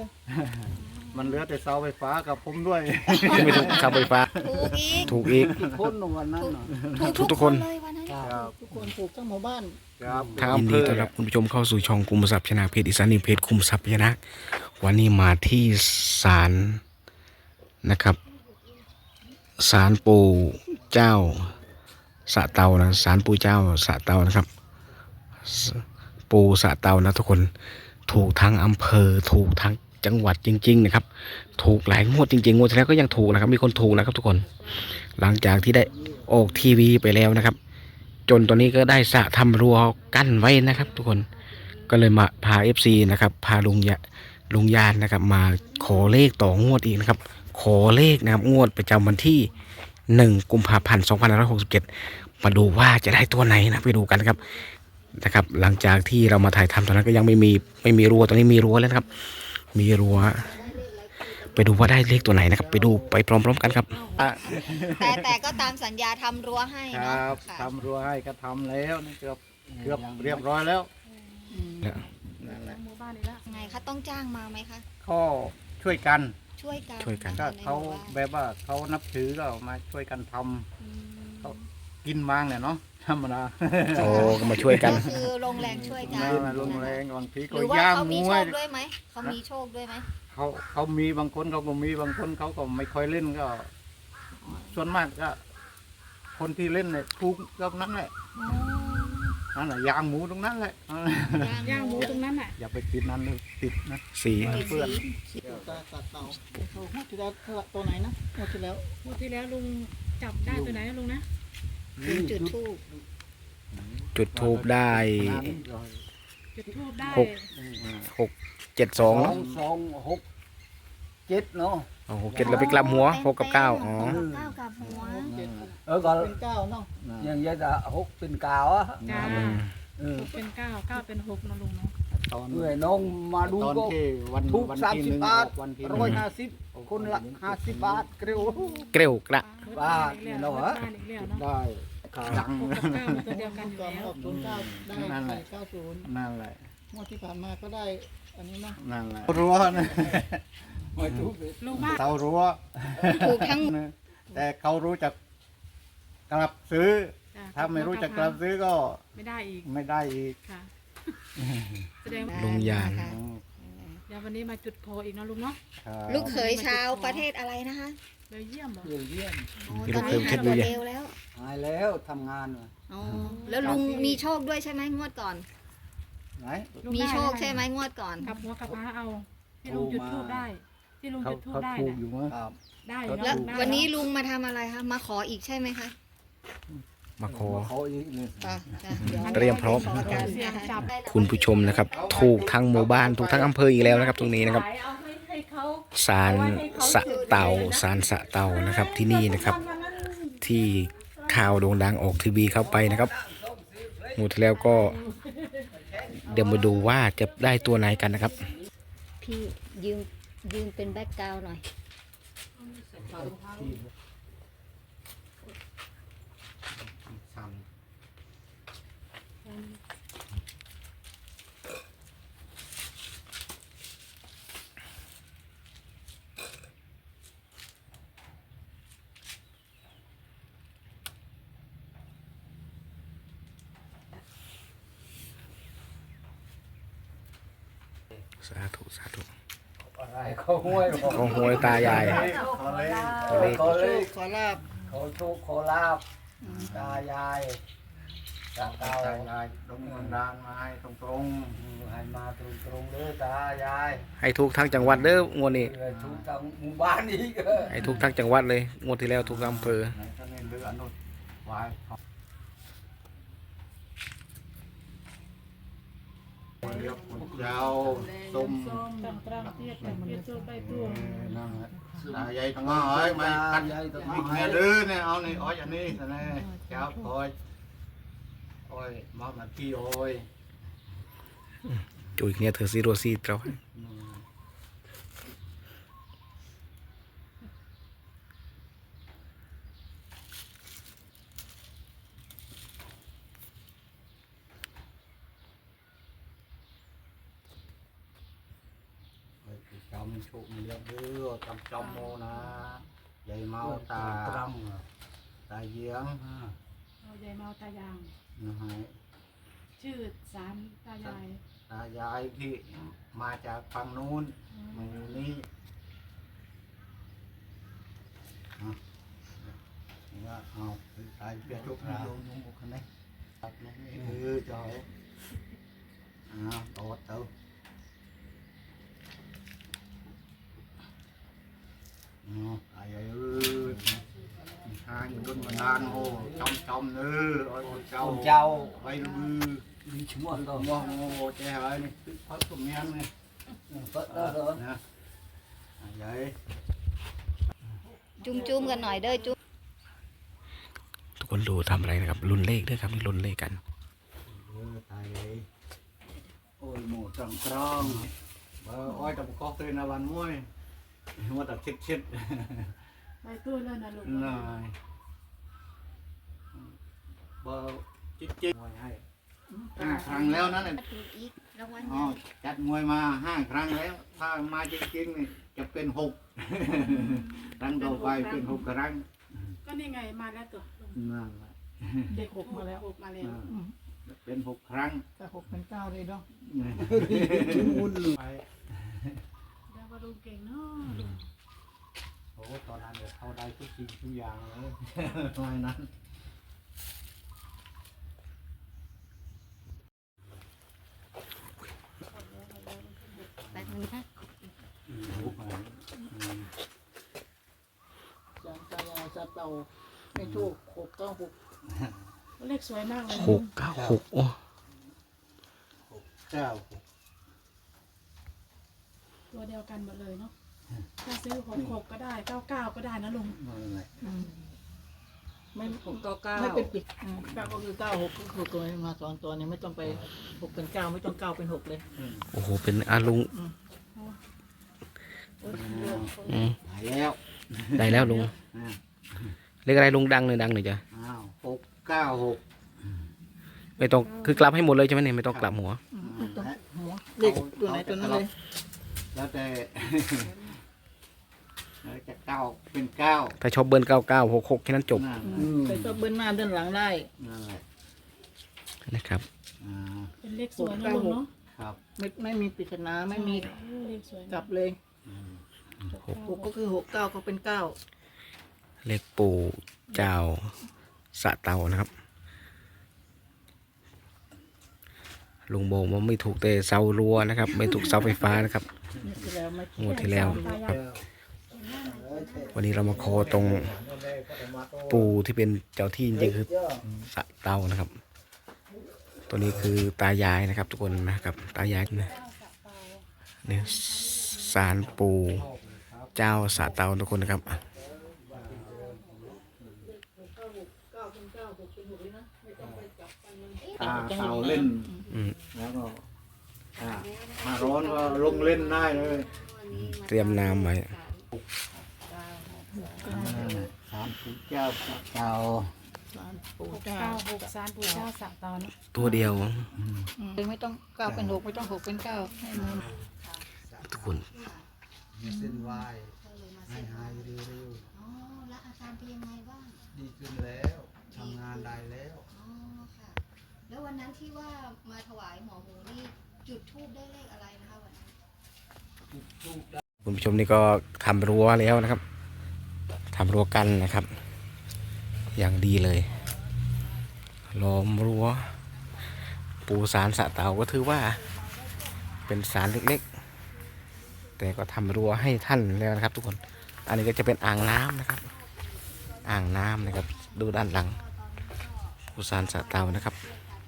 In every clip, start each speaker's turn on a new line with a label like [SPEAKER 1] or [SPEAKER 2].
[SPEAKER 1] มันเหลือแต่เสาไฟฟ้ากับผมด้วย
[SPEAKER 2] ไม่ถูกเสาไฟฟ้า
[SPEAKER 3] ถูกอีก
[SPEAKER 2] ถูกอีก
[SPEAKER 1] ทุกคนวันนั้นน่ะ
[SPEAKER 2] ทุกคน
[SPEAKER 3] เลยวันนั้น
[SPEAKER 1] ครับ
[SPEAKER 4] ทุกคนถูกทั้งหมู่บ้าน
[SPEAKER 1] ครับ
[SPEAKER 2] ยินดีต้อนรับคุณผู้ชมเข้าสู่ช่องคุมทรัพย์ชนะเพจอีสานนิวเพจคุมทรัพย์ชนะวันนี้มาที่ศาลนะครับศาลปู่เจ้าสะเตานะศาลปู่เจ้าสะเตานะครับปู่สะเตานะทุกคนถูกทั้งอำเภอถูกทั้งจังหวัดจริงๆนะครับถูกหลายงวดจริงๆงวดที่แล้วก็ยังถูกนะครับมีคนถูกนะครับทุกคนหลังจากที่ได้ออกทีวีไปแล้วนะครับจนตอนนี้ก็ได้สระทำรั้วกั้นไว้นะครับทุกคนก็เลยมาพา FC นะครับพาลุงยานนะครับมาขอเลขต่องวดอีกนะครับขอเลขนะครับงวดประจำวันที่1 กุมภาพันธ์ 2567มาดูว่าจะได้ตัวไหนนะไปดูกันนะครับหลังจากที่เรามาถ่ายทำตอนนั้นก็ยังไม่มีรั้วตอนนี้มีรั้วแล้วนะครับมีรั้วไปดูว่าได้เลขตัวไหนนะครับไปดูไปพร้อมๆกันครับ
[SPEAKER 3] แต่ก็ตามสัญญาทำรั้วให้
[SPEAKER 1] ค
[SPEAKER 3] เนาะ
[SPEAKER 1] รับ
[SPEAKER 3] ค่ะ
[SPEAKER 1] ทำรั้วให้ก็ทำแล้วนี่เกือบเรียบร้อยแล้ว
[SPEAKER 2] แล้ว
[SPEAKER 1] นั่นแหละ
[SPEAKER 3] ไงคะต้องจ้างมาไหมคะ
[SPEAKER 1] ก็ช่วยกัน
[SPEAKER 3] ช่วยกัน
[SPEAKER 1] ก็เขา
[SPEAKER 3] ในหมู่บ้น
[SPEAKER 1] แบบว่าเขานับถือก็มาช่วยกันทำ
[SPEAKER 3] อืม
[SPEAKER 1] เขากินบ้างเนี่ยเนาะธรรมดา
[SPEAKER 2] โอ้ก็มาช่วยกัน
[SPEAKER 3] ก็คือลงแรงช่วยกัน
[SPEAKER 1] มาลงแรงบางที
[SPEAKER 3] ห
[SPEAKER 1] ก็
[SPEAKER 3] รือว่า
[SPEAKER 1] ย่าง
[SPEAKER 3] เขา
[SPEAKER 1] ห
[SPEAKER 3] มี
[SPEAKER 1] มู
[SPEAKER 3] โช
[SPEAKER 1] ให้
[SPEAKER 3] คด้วยไหมเขามีโชคด้วยไหม
[SPEAKER 1] เขามีบางคนเขาก็มีบางคนเขาก็ไม่ค่อยเล่นก็ ส่วนมากก็ คนที่เล่นเนี่ยถูกกับนั้นแหละนั่นแหละย่างหมูตรงนั้นแหละ
[SPEAKER 5] ย่างหมูตรงนั้นน่ะ
[SPEAKER 1] อย่าไปติดนั้นเลยติดนะ
[SPEAKER 2] สี
[SPEAKER 1] เพื่อน
[SPEAKER 4] ตาตัดเต่าถูกงวดที่แล้วตัวไหนนะงวดที่แล้ว
[SPEAKER 5] งวดที่แล้วลุงจับได้ตัวไหนนะลุงนะ
[SPEAKER 3] จุดทูบ
[SPEAKER 2] จุดทูบได้
[SPEAKER 5] จุดทูบได้
[SPEAKER 2] หก 7 2
[SPEAKER 6] 2 6 7 เนาะ
[SPEAKER 2] อ๋อ6 7แล้วไปกลับหัว6 กับ 9อ๋อ
[SPEAKER 3] เก้ากับหัว
[SPEAKER 6] ก็
[SPEAKER 4] เป็นเก้าเนาะ
[SPEAKER 6] อย่างเงี้ยจะ6เป็นกาวอ่ะ
[SPEAKER 5] จ้าหกเป็นเก้าเก้าเป็นหกนะลุงเนาะ
[SPEAKER 1] ตอน
[SPEAKER 6] เมื่อยน้องมาดู
[SPEAKER 1] ตอน
[SPEAKER 6] ก็
[SPEAKER 1] ที่วัน
[SPEAKER 6] ถูก
[SPEAKER 1] วัน
[SPEAKER 6] 30
[SPEAKER 1] ที่หนึ่ง
[SPEAKER 6] บาท
[SPEAKER 1] วันที่
[SPEAKER 6] 150 คนละ 50 บาทเกลียว
[SPEAKER 2] เกลียวกระ
[SPEAKER 6] บ้าเนี่ยเนาะ
[SPEAKER 5] บ้านอีกแล้วเนาะ
[SPEAKER 1] ได้ดัง
[SPEAKER 5] หกกับเก้ามันตัวเดียวกันอยู่
[SPEAKER 4] ก่อน
[SPEAKER 5] แล้ว
[SPEAKER 4] ออก09ได้90
[SPEAKER 1] นั่นแหละ
[SPEAKER 4] งวดที่ผ่านมาก็ได้อันนี้เนาะ
[SPEAKER 1] นั่นแหละรั้วนะ
[SPEAKER 6] ไม่ถูก
[SPEAKER 5] ลุงบ้าน
[SPEAKER 1] เสารั้ว
[SPEAKER 3] ถูกทั้ง
[SPEAKER 1] แต่เขารู้จักกลับซื้อ
[SPEAKER 5] จ้ะ
[SPEAKER 1] ถ้าไม่รู้จักกลับซื้อก็
[SPEAKER 5] ไม่ได้อีก
[SPEAKER 1] ไม่ได้อีก
[SPEAKER 5] ค่ะแสดงว่า
[SPEAKER 2] ลุงยาน
[SPEAKER 3] ค่ะ
[SPEAKER 5] เดี๋ยววันนี้มาจุดโพอีกเนาะลุงเนาะ
[SPEAKER 1] ครับ
[SPEAKER 3] ลูกเขยชาวประเทศอะไรนะคะ
[SPEAKER 5] เบลเยี่ยมเหรอ
[SPEAKER 6] เยี่ยม
[SPEAKER 3] อ๋อตอนนี้หายตัวเร็วแล้ว
[SPEAKER 6] หายแล้วทำงาน
[SPEAKER 3] อ๋อแล้วลุงมีโชคด้วยใช่ไหมงวดก่อน
[SPEAKER 6] ไหน
[SPEAKER 5] ลุง
[SPEAKER 3] มี
[SPEAKER 5] ได้
[SPEAKER 3] โชคใช่ไหมงวดก่อน
[SPEAKER 5] กลับหัวกลับหาเอาที่ลุงจุดทูบได้ ที่ลุง
[SPEAKER 1] เขา
[SPEAKER 5] จุดทูบ
[SPEAKER 1] เขา
[SPEAKER 5] ได้
[SPEAKER 1] ถูก
[SPEAKER 5] น่ะ
[SPEAKER 1] อยู่มั้ง
[SPEAKER 6] ครับ
[SPEAKER 5] ได้อยู่
[SPEAKER 3] แล้ว
[SPEAKER 5] เนาะ
[SPEAKER 3] วันนี้ลุงมาทำอะไรคะมาขออีกใช่ไหมคะ
[SPEAKER 2] มาขอ
[SPEAKER 6] เขาอีกนี่
[SPEAKER 3] ค่ะดี๋ยว
[SPEAKER 2] เตรียมพร้อม
[SPEAKER 3] ขกัน
[SPEAKER 5] เสียง
[SPEAKER 3] นะคะ
[SPEAKER 5] จับ
[SPEAKER 2] คุณผู้ชมนะครับถูกทั้งหมู่บ้านถูกทั้งอำเภออีกแล้วนะครับตรงนี้นะครับศาลสะเต่าศาลสะเต่านะครับที่นี่นะครับ ที่ข่าวโด่งดังออกทีวีเข้าไปนะครับหมดแล้วก็ เดี๋ยวมาดูว่าจะได้ตัวไหนกันนะครับ
[SPEAKER 3] พี่ยืมเป็นแบ็กกราวด์หน่อย
[SPEAKER 2] สาธุสาธุ
[SPEAKER 6] อะไรเขาห้วยบอก
[SPEAKER 2] ของหวยตายาย
[SPEAKER 6] เขาเลข
[SPEAKER 4] ขอลาบ
[SPEAKER 6] เขาโชคขอลาบตายายตาเต่า
[SPEAKER 1] ตายายดงบันดาลมาให้ตรง
[SPEAKER 6] ให้มาตรงๆเลยตายาย
[SPEAKER 2] ให้ถูกทั้งจังหวัดเด้องวดนี้
[SPEAKER 6] ถูกทั้งหมู่บ้านอีก
[SPEAKER 2] ให้ถูกทั้งจังหวัดเลยงวดที่แล้วถูกทั้งอำเภอ
[SPEAKER 1] ๆไหนก็นี่เรืออนุไว้เรียบยาวส้ม
[SPEAKER 5] ตั้งตรังเทียบแต่มันจะโชคได้ตัว
[SPEAKER 1] นั่นแหละตายายทั้งอ้อยไม่คัดวิ่งเนี่ยดื้อเนี่ยเอานี่อ้อยอันนี้นะเจ้าอ้อยมาหน้าที่อ้อย
[SPEAKER 2] จุยเนี่ยเธอซีโรซีเรา
[SPEAKER 1] mình trụ mình liệp đưa trong trong mô na dây mau ta ta giếng
[SPEAKER 5] เอายายเมาตายาง
[SPEAKER 1] nó hay
[SPEAKER 5] ชื่อศาลตายาย
[SPEAKER 1] ta dài thì mà chả bằng nôn mình đi tại biết chụp ra dùng một cái này tập này cho tốt đâu ai ơi hai người luôn mà đàn hồ trong nữa ôi
[SPEAKER 6] con trâu
[SPEAKER 1] bay
[SPEAKER 6] đi chúng ăn rồi
[SPEAKER 1] ngô chè ơi này phát của men này
[SPEAKER 6] vớt đó rồi
[SPEAKER 1] nè vậy
[SPEAKER 3] จุ่มๆกันหน่อยเด้อจุ่ม
[SPEAKER 2] ทุกคนดูทำอะไรนะครับลุ้นเลขด้วยครับลุ้นเลขกัน
[SPEAKER 1] tại vậy ôi mổ tròn tròn ôi tập có tên là bàn muối mua tập chết chết
[SPEAKER 5] ไปตู้เลยนะลุง
[SPEAKER 1] rồi bơ chết chết ngồi hay ครั้งแล้วนั่นแหละ
[SPEAKER 3] ถูกอีกรางวัล
[SPEAKER 1] อ๋อจัดมวยมา5 ครั้งแล้วถ้ามาจริงๆนี่จะเป็น6 ครั้งต่อไปเป็น6 ครั้ง
[SPEAKER 5] ก็นี่ไงมาแล้วตัวลุง
[SPEAKER 1] นั่นแหละ
[SPEAKER 5] เด็กหกมาแล้วหกมาแล้ว
[SPEAKER 1] เป็น6 ครั้ง
[SPEAKER 4] ถ้า6 เป็น 9เลยเนาะ
[SPEAKER 1] วุ่นไป
[SPEAKER 5] แล้วก็ลุงเก่งเนาะลุง
[SPEAKER 1] โอ้ตอนนั้นเดี๋ยวเข้าได้ทุกสิ่งทุกอย่างเลยทำไมนั้น
[SPEAKER 3] แบบนี้นะ
[SPEAKER 1] รู้ไหม
[SPEAKER 4] จานตายายซาเตาไม่โชค696
[SPEAKER 5] เลขสวยมากเลย
[SPEAKER 2] 696โอ้
[SPEAKER 1] เจ้า
[SPEAKER 5] ตัวเดียวกันหมดเลยเนาะถ้าซื้อ66ก็ได้99ก็ได้นะลุง
[SPEAKER 1] นั่นแหละ
[SPEAKER 4] ไม่699ไม่เป็นปิด9ก็คือ96ก็คือตัวนี้มา2ตัวนี้ไม่ต้องไป6เป็น9ไม่ต้อง9เป็น6เลย
[SPEAKER 2] โอ้โหเป็นอาลุงอืม
[SPEAKER 1] หายแล้ว
[SPEAKER 2] ได้แล้วลุง
[SPEAKER 1] อ่า
[SPEAKER 2] เลขอะไรลุงดังหน่อยจ้ะ
[SPEAKER 1] อ้าว696
[SPEAKER 2] ไม่ต้องคือกลับให้หมดเลยใช่ไหมเนี่ยไม่ต้องกลับหัว
[SPEAKER 4] ไม่ต้องหัวเลขตัวไหนตัวนั้นเลย
[SPEAKER 1] แล้วแต่ แล้วจะเก้าเป็นเก้า
[SPEAKER 2] ถ้าชอบเบิร์น9966แค่นั้นจบ
[SPEAKER 1] นั่น
[SPEAKER 4] แต่ก็เบิ้ลหน้าเดินหลังได้
[SPEAKER 1] นั่นแหละ
[SPEAKER 2] นะครับ
[SPEAKER 1] อ่า
[SPEAKER 5] เป็นเลขสวยนะลุงเนาะ
[SPEAKER 1] ครับ
[SPEAKER 4] ไม่มีปริศนาไม่มี
[SPEAKER 5] โอ้เลขสวย
[SPEAKER 4] กลับเลย
[SPEAKER 1] อืม
[SPEAKER 4] 6ก็คือ6 9ก็เป็น9
[SPEAKER 2] เลขปู่เจ้าสะเตานะครับ ลุงโบกว่าไม่ถูกแต่เสารั้วนะครับ ไม่ถูกเสาไฟฟ้านะครับ
[SPEAKER 4] นี่ที่แล้วไม่
[SPEAKER 2] งวดที่แล้วครับ วันนี้เรามาขอตรงปู่ที่เป็นเจ้าที่จริงๆคือสะเตานะครับ ตัวนี้คือตายายนะครับ ทุกคนนะครับ ตายายนะนี่ศาลปู่เจ้าสะเตาทุกคนนะครับ
[SPEAKER 1] ตาเต่าเล่น
[SPEAKER 2] อืม
[SPEAKER 1] แล้วก็อ่ามาร้อนก็ลงเล่นได้เลย
[SPEAKER 2] เตรียมน้ำไว้
[SPEAKER 1] สามปู่เจ้าเต่า
[SPEAKER 4] ปู่เจ้า
[SPEAKER 5] 696ศาลปู่เจ้าสะเตาเนาะ
[SPEAKER 2] ตัวเดียว
[SPEAKER 4] ไม่ต้อง9เป็น6ไม่ต้อง6เป็น9ให้มัน
[SPEAKER 2] ทุกคน
[SPEAKER 1] เส้นไหวให้หายเร็ว
[SPEAKER 3] อ๋อแล้วอาการเป็นยังไงบ้าง
[SPEAKER 1] ๆดีขึ้นแล้วทำงานได้แล้ว
[SPEAKER 3] อ๋อค่ะ แล้ววันนั้นที่ว่ามาถวายหมอหมูนี่จุดธูปได้เลขอะไรนะคะวันนั้น
[SPEAKER 2] คุณผู้ชมนี่ก็ทำรั้วแล้วนะครับทำรั้วกันนะครับ อย่างดีเลยล้อมรั้วปูสารสะเตาก็ถือว่า เป็นสารเล็กๆ แต่ก็ทำรั้วให้ท่านแล้วนะครับ ทุกคน อันนี้ก็จะเป็นอ่างน้ำนะครับ อ่างน้ำนะครับ ดูด้านหลังปูสารสะเตานะครับ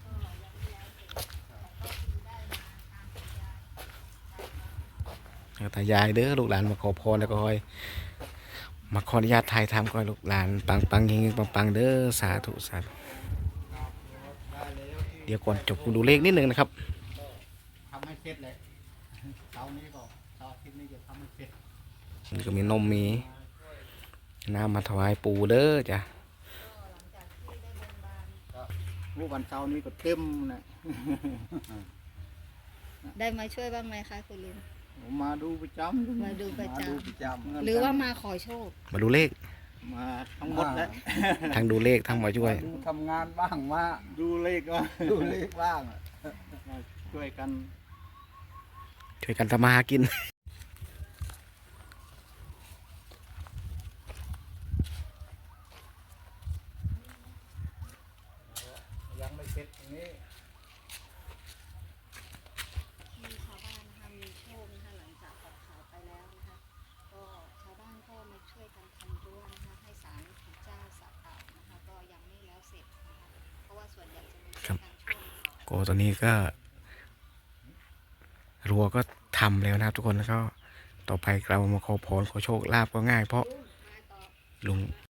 [SPEAKER 2] ตายายเด้อลูกหลานมาขอพรแล้วก็คอยมาขออนุญาตถ่ายทำก่อนลูกหลานปังๆเฮงๆปังๆเด้อสาธุสาธุเดี๋ยวก่อนจบดูเลขนิดนึงนะครับ
[SPEAKER 1] ทำให้เสร็จเลยเสาร์นี้ก็เสาร์อาทิตย์นี้จะทำให้เสร็จ
[SPEAKER 2] มันก็มีนมมีน้ำมาถวายปู่เด้อจ้ะ
[SPEAKER 1] รูปวันเสาร์นี้ก็เต็มนะ
[SPEAKER 3] ได้มาช่วยบ้างไหมคะคุณลุง
[SPEAKER 1] ฮผมมาดูประจำ
[SPEAKER 3] มาดูประจ
[SPEAKER 6] มาดูประจ
[SPEAKER 3] ำหรือว่ามาขอโชค
[SPEAKER 2] มาดูเลข
[SPEAKER 1] มาทั้งหมดแล้ว
[SPEAKER 2] ทั้งดูเลขทั้งมาช่วย
[SPEAKER 6] ดูทำงานบ้างมา
[SPEAKER 1] ดูเลขก็
[SPEAKER 6] ดูเลขบ้าง
[SPEAKER 1] มาช่วยกัน
[SPEAKER 2] ช่วยกันทำมาหากิน
[SPEAKER 1] ยังไม่เสร็จตรงนี้
[SPEAKER 3] มีชาวบ้านนะคะมีโชคนะคะหลังจากออกข่าวไปแล้วนะคะก็ชาวบ้านก็มาช่วยกันทำรั้วนะคะให้ศาลปู่เจ้าสะเต่านะคะก็ยังไม่แล้วเสร็จนะคะเพราะว่าส่วนใหญ่จะมี
[SPEAKER 2] ครับ
[SPEAKER 3] การช่วยเขา
[SPEAKER 2] ก็ตอนนี้ก็รั้วก็ทำแล้วนะครับทุกคนแล้วก็ต่อไปเรามาขอพรขอโชคลาภก็ง่ายเพราะลุง